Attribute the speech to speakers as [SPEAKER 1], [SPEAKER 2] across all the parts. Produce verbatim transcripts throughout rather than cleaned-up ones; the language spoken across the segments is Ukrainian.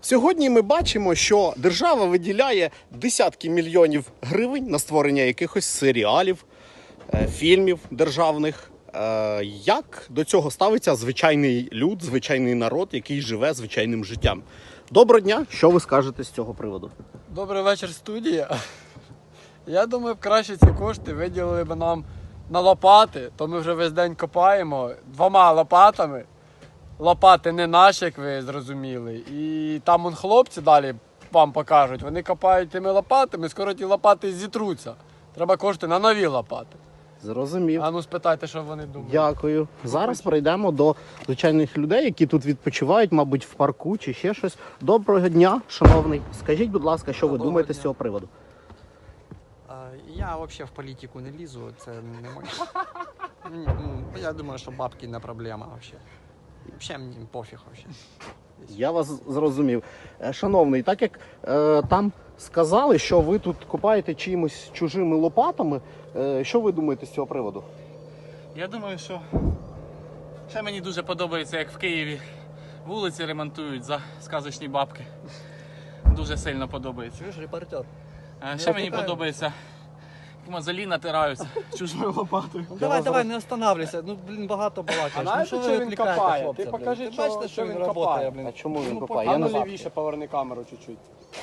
[SPEAKER 1] Сьогодні ми бачимо, що держава виділяє десятки мільйонів гривень на створення якихось серіалів, фільмів державних. Як до цього ставиться звичайний люд, звичайний народ, який живе звичайним життям? Доброго дня! Що ви скажете з цього приводу?
[SPEAKER 2] Добрий вечір, студія. Я думаю, краще ці кошти виділили б нам на лопати, то ми вже весь день копаємо двома лопатами. Лопати не наші, як ви зрозуміли. І там вон хлопці далі вам покажуть, вони копають тими лопатами, скоро ті лопати зітруться. Треба кошти на нові лопати.
[SPEAKER 1] Зрозумів.
[SPEAKER 2] А ну спитайте, що вони думають.
[SPEAKER 1] Дякую. Зараз перейдемо до звичайних людей, які тут відпочивають, мабуть, в парку чи ще щось. Доброго дня, шановний. Скажіть, будь ласка, що ви
[SPEAKER 3] Доброго
[SPEAKER 1] думаєте
[SPEAKER 3] дня.
[SPEAKER 1] з цього приводу?
[SPEAKER 3] А, Я взагалі в політику не лізу, це не моє. Ні, ну, Я думаю, що бабки не проблема взагалі. Взагалі мені пофіг взагалі.
[SPEAKER 1] Я вас зрозумів. Е, Шановний, так як е, там сказали, що ви тут копаєте чимось чужими лопатами, е, що ви думаєте з цього приводу?
[SPEAKER 4] Я думаю, що ще мені дуже подобається, як в Києві вулиці ремонтують за сказочні бабки. Дуже сильно подобається.
[SPEAKER 3] Чуєш, репортер?
[SPEAKER 4] А ще мені подобається, як мозолі натираються чужою лопатою.
[SPEAKER 3] Ну, давай, давай, не останавливайся. Ну, блін, багато балакаєш.
[SPEAKER 2] А
[SPEAKER 3] ну,
[SPEAKER 2] знаєте,
[SPEAKER 3] що
[SPEAKER 2] що
[SPEAKER 3] ви
[SPEAKER 2] він
[SPEAKER 3] відвлікаєте
[SPEAKER 2] копає?
[SPEAKER 3] хлопця,
[SPEAKER 2] Ти
[SPEAKER 3] блін?
[SPEAKER 2] покажи,
[SPEAKER 3] Ти
[SPEAKER 2] що-
[SPEAKER 3] бачите,
[SPEAKER 2] що
[SPEAKER 3] що
[SPEAKER 2] він
[SPEAKER 3] він
[SPEAKER 2] копає?
[SPEAKER 3] працює, блін.
[SPEAKER 1] А чому він
[SPEAKER 3] Ну,
[SPEAKER 1] копає?
[SPEAKER 2] А
[SPEAKER 1] Я
[SPEAKER 2] ну
[SPEAKER 1] не знаю.
[SPEAKER 2] лівіше поверни камеру чуть-чуть.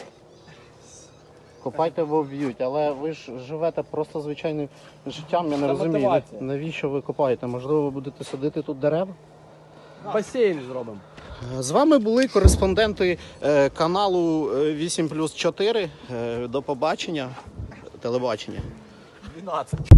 [SPEAKER 1] Копайте, бо вб'ють, але ви ж живете просто звичайним життям, я не
[SPEAKER 2] Це
[SPEAKER 1] розумію.
[SPEAKER 2] мотивація.
[SPEAKER 1] Навіщо ви копаєте? Можливо, ви будете садити тут дерева?
[SPEAKER 2] Басейн зробимо.
[SPEAKER 1] З вами були кореспонденти е, каналу е, вісім плюс чотири. Е, До побачення. Телебачення.
[SPEAKER 3] дванадцять.